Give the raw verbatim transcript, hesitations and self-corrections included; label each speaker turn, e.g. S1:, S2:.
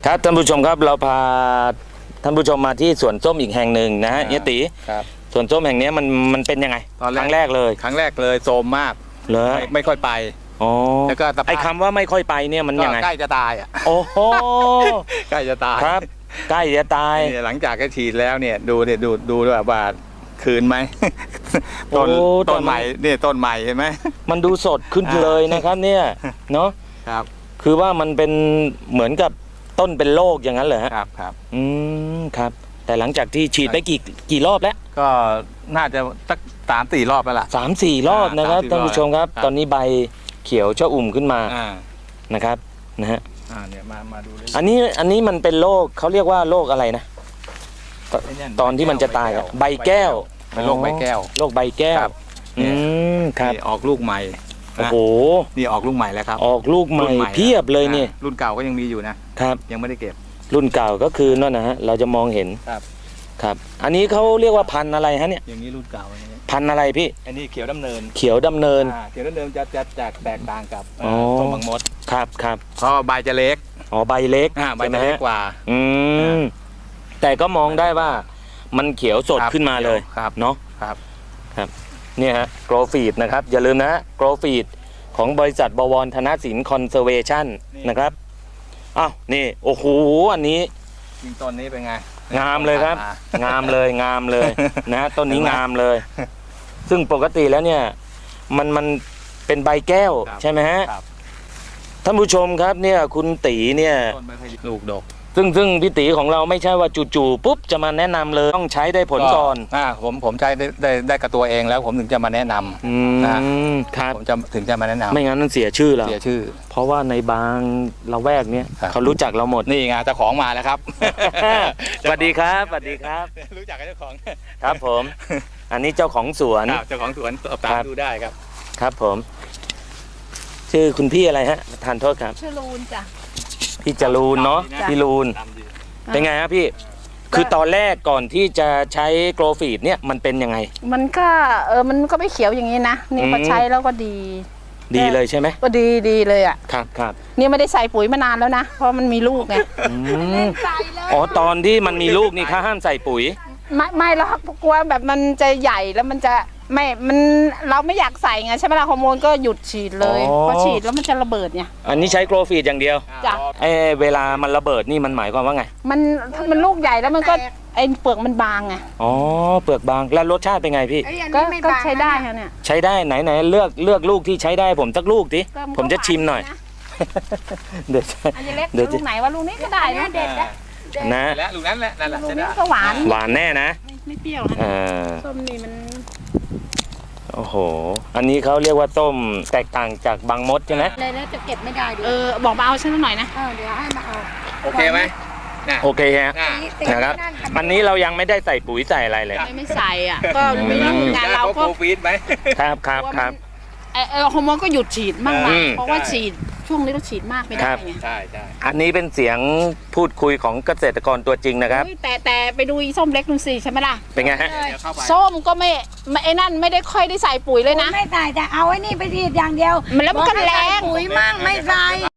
S1: ครับท่านผู้ชมครับเราพาท่านผู้ชมมาที่สวนส้มอีกแห่งหนึ่งนะฮะเฮียตี
S2: ครับ
S1: สวนส้มแห่งนี้มันมันเป็นยังไงครั้งแรกเลย
S2: ครั้งแรกเลยโทรมมาก
S1: เลย
S2: ไม่ไม่ค่อยไป
S1: อ๋อ
S2: แล้วก็
S1: ไอ้คำว่าไม่ค่อยไปเนี่ยมันยังไง
S2: ใกล้จะตายอ่ะ
S1: โอ้โห
S2: ใกล้จะตาย
S1: ครับใกล้จะตาย
S2: หลังจากที่ฉีดแล้วเนี่ยดูเนี่ยดูดูด้วยว่าคืนไหมต้นต้นใหม่เนี่ยต้นใหม่เห็นไหม
S1: มันดูสดขึ้นเลยนะครับเนี่ยเนาะ
S2: ครับ
S1: คือว่ามันเป็นเหมือนกับต้นเป็นโรคอย่างนั้นเหรอฮะ
S2: ครับครับ
S1: อืมครับแต่หลังจากที่ฉีดไปกี่กี่รอบแล้ว
S2: ก็น่าจะสักสามสี่รอบแล้วล่ะ
S1: สามสี่รอบนะครับท่านผู้ชมครับตอนนี้ใบเขียวชอุ่มขึ้นมานะครับนะฮะ
S2: อ่าเนี่ยมามาดู
S1: อันนี้อันนี้มันเป็นโรคเขาเรียกว่าโรคอะไรนะตอนที่มันจะตายอะใบแก้ว
S2: เป็นโรคใบแก้ว
S1: โรคใบแก้วอืมครับ
S2: ออกลูกใหม่
S1: โอ้โห
S2: นี่ออกลูกใหม่แล้วครับ
S1: ออกลูกใหม่เพียบเลยนี่
S2: รุ่นเก่าก็ยังมีอยู่นะครับยังไม่ได้เก็บ
S1: รุ่นเก่าก็คือนั่นนะฮะเราจะมองเห็น
S2: ครับ
S1: ครับอันนี้เขาเรียกว่าพันธุ์อะไรฮะเนี่ย
S2: อย่างนี้รุ่นเก่า
S1: พันธุ์อะไรพี่
S2: อันนี้เขียวดำเนิน
S1: เขียวดำเนิน
S2: เขียวดำเนินจะจะจะแตกต่างกับต้นบางมด
S1: ครับครับ
S2: เพราะใบจะเล็ก
S1: อ๋อใบเล็ก
S2: ใบจะเล็กกว่า
S1: อืมแต่ก็มองได้ว่ามันเขียวสดขึ้นมาเลยเนาะ
S2: ครับ
S1: ครับเนี่ยฮะโกรฟีดนะครับอย่าลืมนะโกรฟีดของบริษัทบวรธนสินคอนเซอร์เวชั่นนะครับอ้าวนี่โอ้โหอันนี้
S2: จริงต้นนี้เป็นไง
S1: งามเลยครับงามเลยงามเลยนะต้นนี้งามเลยซึ่งปกติแล้วเนี่ยมันมันเป็นใบแก้วใช่ไหมฮะท่านผู้ชมครับเนี่ยคุณตีเนี่ย
S2: ลูกดก
S1: ซึ่งซึ่งพี่ตีของเราไม่ใช่ว่าจู่ๆปุ๊บจะมาแนะนำเลยต้องใช้ได้ผลก่อน
S2: อ่าผมผมใช้ได้ได้ได้กับตัวเองแล้วผมถึงจะมาแนะนำ
S1: นะครับ
S2: ผมจะถึงจะมาแนะนำ
S1: ไม่งั้นมันเสียชื่อเรา
S2: เสียชื่อ
S1: เพราะว่าในบางละแวกเนี้ยเขารู้จักเราหมด
S2: นี่ไงเจ้าของมาแล้วครับ
S1: สวัสดีครับสวัสดีครับ
S2: รู้จักกับเจ้าของ
S1: ครับผมอันนี้เจ้าของสวน
S2: เจ้าของสวนสอบถามดูได้ครับ
S1: ครับผมชื่อคุณพี่อะไรฮะทานโทษครับ
S3: ชื่อลูนจ้ะ
S1: พี่จรูนเนาะพี่ลูนเป็นไงครับพี่คือตอนแรกก่อนที่จะใช้โกรฟีดเนี่ยมันเป็นยังไง
S3: มันก็เออมันก็ไม่เขียวอย่างนี้นะนี่พอใช้แล้วก็ดี
S1: ดีเลยใช่ไหม
S3: ก็ดีดีเลยอ่ะ
S1: ครับครับ
S3: นี่ไม่ได้ใส่ปุ๋ยมานานแล้วนะเพราะมันมีลูกไง
S1: อ๋อตอนที่มันมีลูกนี่เขาห้ามใส่ปุ๋ย
S3: ไม่ไม่แล้วกลัวแบบมันจะใหญ่แล้วมันจะไม่มันเราไม่อยากใส่ไงใช่ไหมล่ะฮอร์โมนก็หยุดฉีดเลยพอฉีดแล้วมันจะระเบิดไง
S1: อันนี้ใช้โกรฟีดอย่างเดียว
S3: จ้ะ
S1: ไอเวลามันระเบิดนี่มันหมายความว่าไง
S3: มันถ้ามันลูกใหญ่แล้วมันก็ไอเปลือกมันบางไง
S1: อ๋อเปลือกบางแล้วรสชาติเป็นไงพี่
S3: ก็ใช้ได้ค่ะเนี่ย
S1: ใช้ได้ไหนไหนเลือกเลือกลูกที่ใช้ได้ผมสักลูกดิผมจะชิมหน่อย
S3: เดี๋ยวเดี๋ยวลูกไหนว่าลูกนี้ก็ได้นะเด็ด
S1: นะ
S2: และลูกนั้นแหละนั่นแหละ
S3: ลูกนี้ก็หวาน
S1: หวานแน่นะ
S3: ไม่เปรี้ยวนะส้มนี่มัน
S1: โอ้โหอันนี้เขาเรียกว่าต้มแตกต่างจากบางมดใช่ไหม
S3: เลยแล้วจะเก็บไม่ได้ดิเออบอกมาเอาฉันหน่อยนะเออเดี๋ยวให้มาเอา
S2: โอเคไหม
S1: โอเคฮะนะครับอันนี้เรายังไม่ได้ใส่ปุ๋ยใส่อะไรเลย
S3: ไม่ใส่อ่ะก็ไม่รู้งานเราก็
S2: ฟีดไหม
S1: ครับครับครับ
S3: เออฮอร์โมนก็หยุดฉีดบ้างนะเพราะว่าฉีดช่วงนี้เราฉีดมากไม่ได้ไง
S2: ใช่ใช่
S1: อันนี้เป็นเสียงพูดคุยของเกษตรกรตัวจริงนะครับ
S3: แต่แต่ไปดูอีส้มเล็กดูสิใช่ไหมล่ะ
S1: เป็นไงฮะ
S3: ส้มก็ไม่ไอ้นั่นไม่ได้ค่อยได้ใส่ปุ๋ยเลยนะ
S4: ไม่ใส่แต่เอาไอ้นี่ไปฉีดอย่างเดียว
S3: มันแล้วมันก็แรง
S4: ปุ๋ยมั่งไม่ใส่